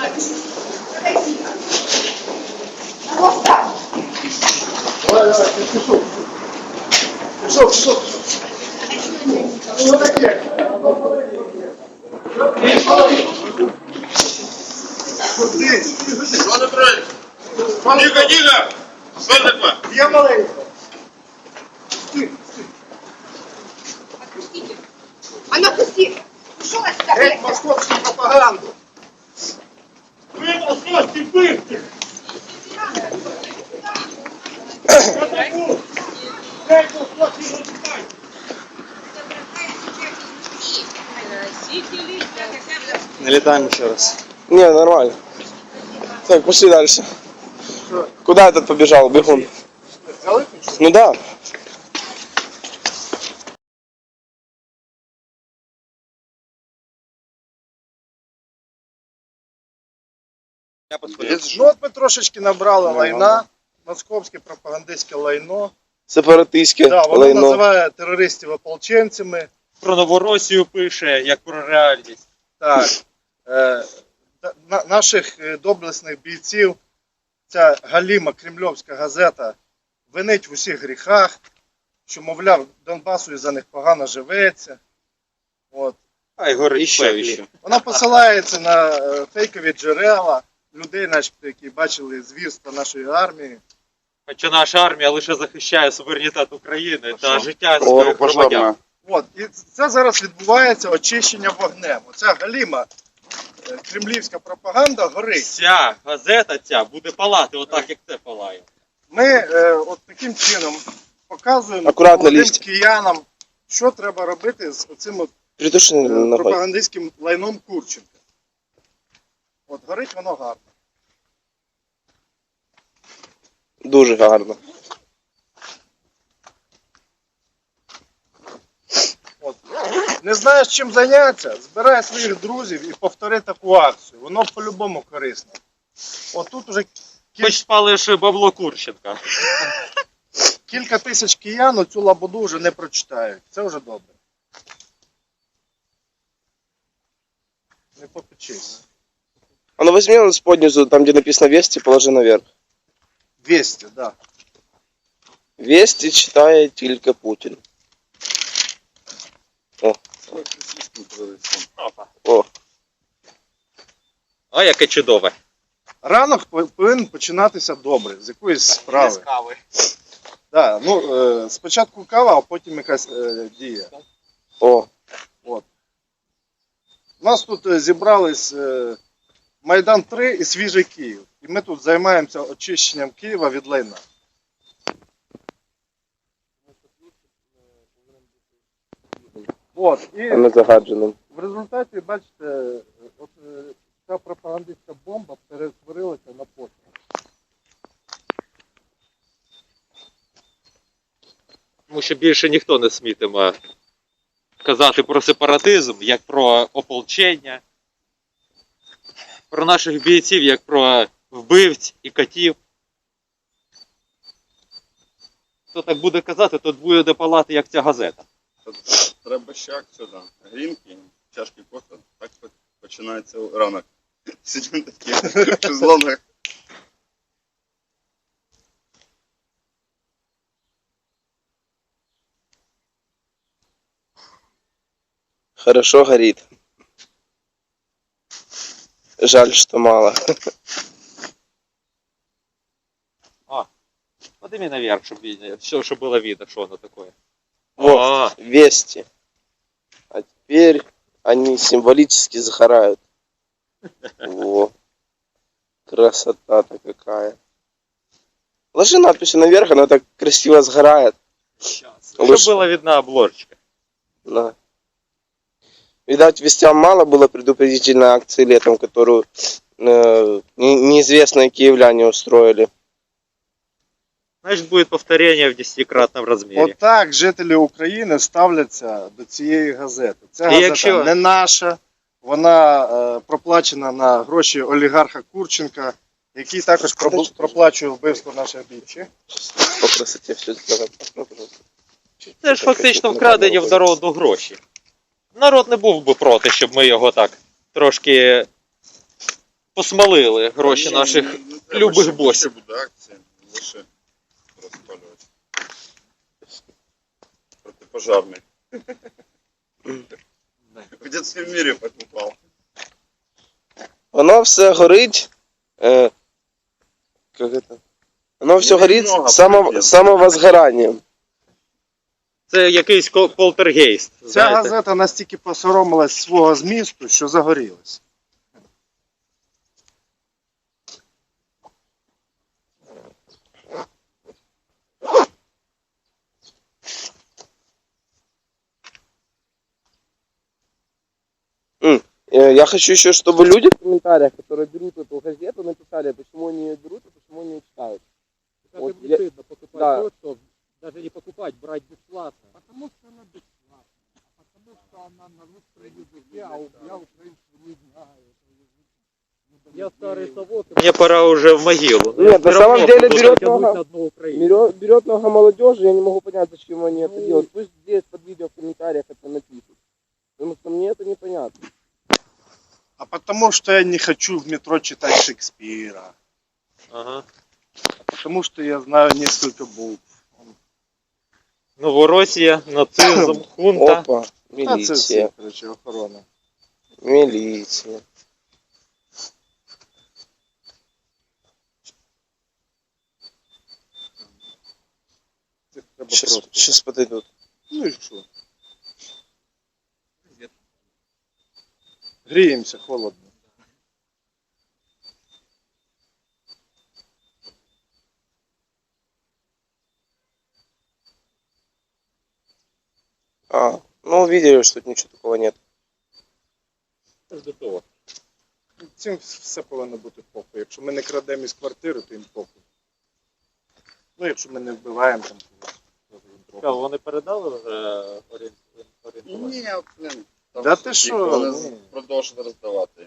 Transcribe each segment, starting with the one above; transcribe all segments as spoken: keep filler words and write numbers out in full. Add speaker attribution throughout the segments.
Speaker 1: Давай, давай, пішов. Пішов, пішов. Ну, таке.
Speaker 2: Що не троє? Тихо, тихо! Що таке?
Speaker 1: Я маленько.
Speaker 3: Отпустите. А ну отпусти. Ушел отсюда.
Speaker 1: Геть московську пропаганду.
Speaker 2: Ви московські бивці!
Speaker 4: Налетаем еще раз. Не, нормально. Так, пошли дальше. Куда этот побежал, бегун? Ну да.
Speaker 1: Ну от ми трошечки набрали лайна. Московське пропагандистське лайно.
Speaker 4: Сепаратистське
Speaker 1: Да, воно
Speaker 4: лайно.
Speaker 1: називає терористів ополченцями.
Speaker 5: Про Новоросію пише, як про реальність.
Speaker 1: Так. Е, на, наших е, доблесних бійців ця галіма кремльовська газета винить в усіх гріхах, що, мовляв, Донбасу із-за них погано живеться. От.
Speaker 5: А й горить
Speaker 4: Іще,
Speaker 5: пеклі.
Speaker 4: іще.
Speaker 1: Вона посилається на е, фейкові джерела людей, начебто, які бачили звірства нашої армії.
Speaker 5: Хоча наша армія лише захищає суверенітет України та життя
Speaker 4: О,
Speaker 5: своїх
Speaker 4: пожарна.
Speaker 5: громадян.
Speaker 1: От. І це зараз відбувається очищення вогнем. Оця галіма е, кремлівська пропаганда горить.
Speaker 5: Ця газета ця буде палати отак, як це палає.
Speaker 1: Ми е, от таким чином показуємо
Speaker 4: Акуратно
Speaker 1: молодим
Speaker 4: лізьте.
Speaker 1: киянам, що треба робити з цим от,
Speaker 4: Притуши
Speaker 1: е,
Speaker 4: ногой.
Speaker 1: пропагандистським лайном Курченка. От горить воно гарно.
Speaker 4: Дуже гарно.
Speaker 1: От. Не знаєш, чим зайнятися? Збирай своїх друзів і повтори таку акцію. Воно по-любому корисно. От тут уже кіль...
Speaker 5: Хоч спалиш бабло Курченка.
Speaker 1: кілька тисяч киян цю лабуду вже не прочитають. Це вже добре. Не попечись.
Speaker 4: А ну возьми он споднизу, там где написано Вести, положи наверх.
Speaker 1: двісті, так. Да.
Speaker 4: Вести читає тільки Путін. О. О.
Speaker 5: А яке чудове.
Speaker 1: Ранок повинен починатися добре, з якоїсь справи.
Speaker 5: кави.
Speaker 1: Да, ну, е, спочатку кава, а потім якась е, дія.
Speaker 4: О.
Speaker 1: От. У нас тут е, зібрались е, Майдан три і Свіжий Київ. І ми тут займаємося очищенням Києва від лайна. От, і
Speaker 4: А не загадженим.
Speaker 1: в результаті, бачите, от, е, ця пропагандистська бомба перетворилася на постріл.
Speaker 5: Тому що більше ніхто не смітиме казати про сепаратизм, як про ополчення, про наших бійців, як про вбивць і котів. Хто так буде казати, то буде палати, як ця газета.
Speaker 2: Треба ще акцію, да. Грінки, чашки кофе. Так починається ранок. Сидимо такі в шезлонгах.
Speaker 4: Хорошо горит. Жаль, что мало.
Speaker 5: Подними наверх, щоб, видно, все, щоб було видно, що воно таке.
Speaker 4: Вот,
Speaker 5: А.
Speaker 4: Вести. А теперь они символически загорают. Во. Красота-то какая. Ложи надпись наверх, она так красиво сгорает.
Speaker 5: Щоб
Speaker 4: Лучше-
Speaker 5: була видна обложечка.
Speaker 4: Да. Видать, вестям мало было предупредительной акции летом, которую э, не- неизвестные киевляне устроили.
Speaker 5: Значить, буде повторення в десятикратному розмірі.
Speaker 1: Отак жителі України ставляться до цієї газети. Ця
Speaker 5: І
Speaker 1: газета
Speaker 5: якщо-
Speaker 1: не наша, вона е, проплачена на гроші олігарха Курченка, який також пробу- проплачує вбивство наших бійців.
Speaker 4: По красоте все сделано. Ну, пожалуйста.
Speaker 5: Це ж фактично вкрадені в народу гроші. Народ не був би проти, щоб ми його так трошки посмалили гроші наших
Speaker 2: Не треба,
Speaker 5: любих
Speaker 2: ще
Speaker 5: босів.
Speaker 2: більше буде акції, лише розпалювати. Протипожарний. В детському мірі покупав.
Speaker 4: Воно все горить. Е, как это? Воно все
Speaker 2: Ну,
Speaker 4: горить
Speaker 2: немного,
Speaker 4: з само,
Speaker 2: привет.
Speaker 4: самовозгоранням.
Speaker 5: Це якийсь кол- полтергейст.
Speaker 1: Ця
Speaker 5: Знаєте?
Speaker 1: газета настільки посоромилась свого змісту, що загорілась.
Speaker 4: М, э, Я хочу еще, чтобы люди в комментариях, которые берут эту газету, написали, почему они ее берут и почему они ее читают.
Speaker 5: Как
Speaker 4: Вот
Speaker 5: им
Speaker 4: я-
Speaker 5: не стыдно покупать
Speaker 4: да.
Speaker 5: то, что даже не покупать, брать бесплатно.
Speaker 6: Потому что она бесплатная, а потому что она на русском языке, а у- я украинского не знаю.
Speaker 5: Я старый совок, мне пора уже в могилу. Но
Speaker 4: Нет,
Speaker 5: я
Speaker 4: на
Speaker 5: всё
Speaker 4: самом
Speaker 5: равно
Speaker 4: деле
Speaker 5: буду
Speaker 4: берет
Speaker 5: тянуть
Speaker 4: много-
Speaker 5: на одну Украину.
Speaker 4: Берет, берет много молодежи, я не могу понять, зачем они это
Speaker 5: Ну.
Speaker 4: делают. Пусть здесь под видео в комментариях это напишут. Потому что мне это непонятно.
Speaker 1: А потому что я не хочу в метро читать Шекспира.
Speaker 5: Ага.
Speaker 1: Потому что я знаю несколько букв.
Speaker 5: Новоросія, нацизм, хунта.
Speaker 4: Опа,
Speaker 1: Та це
Speaker 4: милиция,
Speaker 1: все, короче, охорона.
Speaker 4: милиция.
Speaker 1: Це треба
Speaker 4: Сейчас,
Speaker 1: просто.
Speaker 4: сейчас подойдут.
Speaker 1: Ну і що? Гріємося, холодно.
Speaker 4: А, ну увидели, что тут ничего такого нет.
Speaker 5: Це ж до того.
Speaker 1: Цим все повинно бути похуй. Якщо ми не крадемо із квартири, то їм похуй. Ну, якщо ми не вбиваємо там когось. то їм похуй.
Speaker 5: Цікаво, вони передали вже орієн- орієнтування?
Speaker 2: Ні, блін. Там
Speaker 1: Да ти
Speaker 2: всі,
Speaker 1: що?
Speaker 2: Вони
Speaker 1: Ні.
Speaker 2: продовжують роздавати.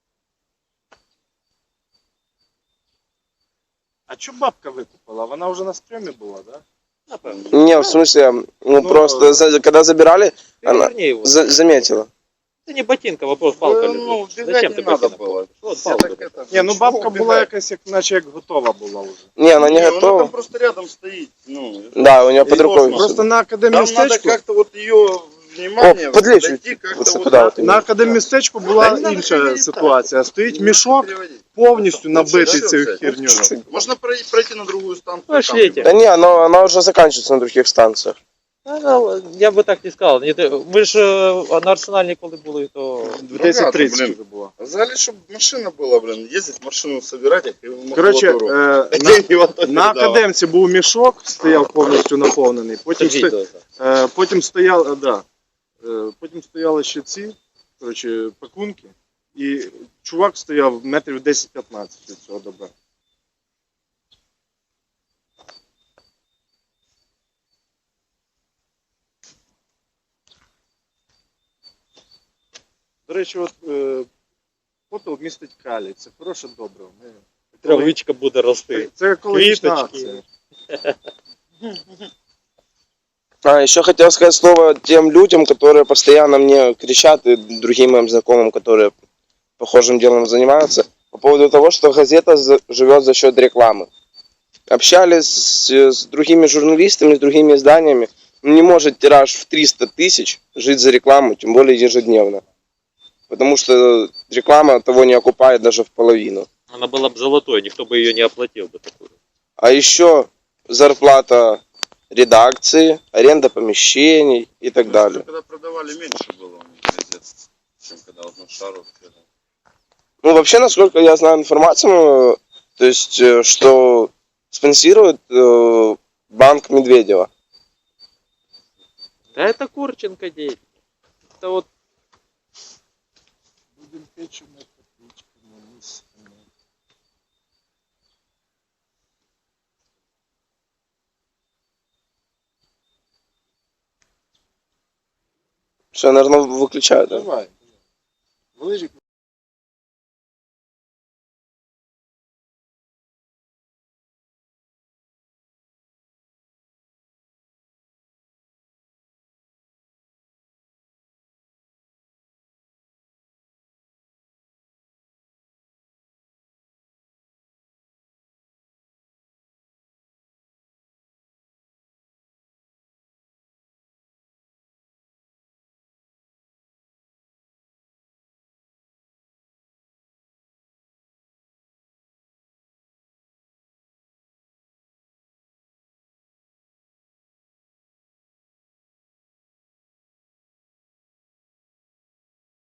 Speaker 1: А чому бабка викупила? Вона вже на стрьомі була, да?
Speaker 5: Напевно.
Speaker 4: Не, в смысле, ну,
Speaker 1: Ну,
Speaker 4: просто за- когда забирали, она
Speaker 5: Переверни його.
Speaker 4: за- заметила.
Speaker 5: Це не ботинка, вопрос, палка
Speaker 2: Ну,
Speaker 5: лежить.
Speaker 2: бігати
Speaker 5: Зачем
Speaker 2: не
Speaker 5: ти
Speaker 2: треба
Speaker 5: ботинок?
Speaker 2: було.
Speaker 5: От
Speaker 2: Все
Speaker 5: палка.
Speaker 2: так это,
Speaker 1: Ні, ну
Speaker 2: чого
Speaker 1: бабка була
Speaker 2: вбігати?
Speaker 1: якась, як, наче як готова була вже.
Speaker 4: Не, она не
Speaker 2: Ні,
Speaker 4: готова.
Speaker 2: Вона там просто рядом стоїть. Ну,
Speaker 4: Да, у нее под
Speaker 2: И
Speaker 4: рукой.
Speaker 2: космос.
Speaker 4: всё.
Speaker 1: Просто на академії
Speaker 2: там надо
Speaker 1: містечку,
Speaker 2: как-то вот ее внимание
Speaker 4: О, подлечь
Speaker 2: подойти
Speaker 4: вот
Speaker 2: как-то вот
Speaker 4: сюда вот.
Speaker 1: на академії містечку
Speaker 2: Та
Speaker 1: була
Speaker 2: не надо
Speaker 1: інша
Speaker 2: перевертати.
Speaker 1: ситуація. Стоїть
Speaker 2: Не
Speaker 1: мішок,
Speaker 2: переводить.
Speaker 1: повністю набитий
Speaker 2: Все,
Speaker 1: цією
Speaker 2: все.
Speaker 1: херню.
Speaker 2: Можна прой- пройти на другую станцию.
Speaker 5: Пошлите.
Speaker 2: там.
Speaker 4: Да не, она, она уже заканчивается на других станциях.
Speaker 5: Ну, я би так не сказав. Ні, ти- Ви ж е, на Арсеналі коли були, то
Speaker 1: В десять тридцять
Speaker 2: блін.
Speaker 1: вже була.
Speaker 2: Взагалі, щоб машина була, блін, їздить машину собирати, як і
Speaker 1: Коротше,
Speaker 2: макулатуру.
Speaker 1: е, на,
Speaker 2: Деньги в АТО
Speaker 1: на
Speaker 2: передавав.
Speaker 1: академці був мішок, стояв повністю наповнений.
Speaker 5: це
Speaker 1: Потім, сто,
Speaker 5: відео.
Speaker 1: е, потім стояли, да, е, потім стояли ще ці, коротше, пакунки. І чувак стояв метрів десять-п'ятнадцять від цього добра. До речі, от е, попіл містить калій. Це хороше добриво. Ми-
Speaker 5: Травичка буде рости.
Speaker 1: Це екологічна
Speaker 5: Квіточки.
Speaker 1: акція.
Speaker 4: А, еще хотел сказать слово тем людям, которые постоянно мне кричат, и другим моим знакомым, которые похожим делом занимаются, по поводу того, что газета за- живет за счет рекламы. Общались с, с другими журналистами, с другими изданиями. Ну, не может тираж в триста тысяч жить за рекламу, тем более ежедневно. Потому что реклама того не окупает даже в половину.
Speaker 5: Вона була б золотою, ніхто би її не оплатив би такою.
Speaker 4: А еще зарплата редакции, аренда помещений и так далее.
Speaker 2: Когда продавали, меньше было у них газет, чем когда вот на шару.
Speaker 4: Ну, вообще, насколько я знаю информацию, э, то есть, э, что спонсирует э, банк Медведева.
Speaker 5: Та це Курченко дій. Це от
Speaker 1: Будемо печимо, копійками, мисками.
Speaker 4: Все, наверное, выключают. Да?
Speaker 1: Давай. Лижик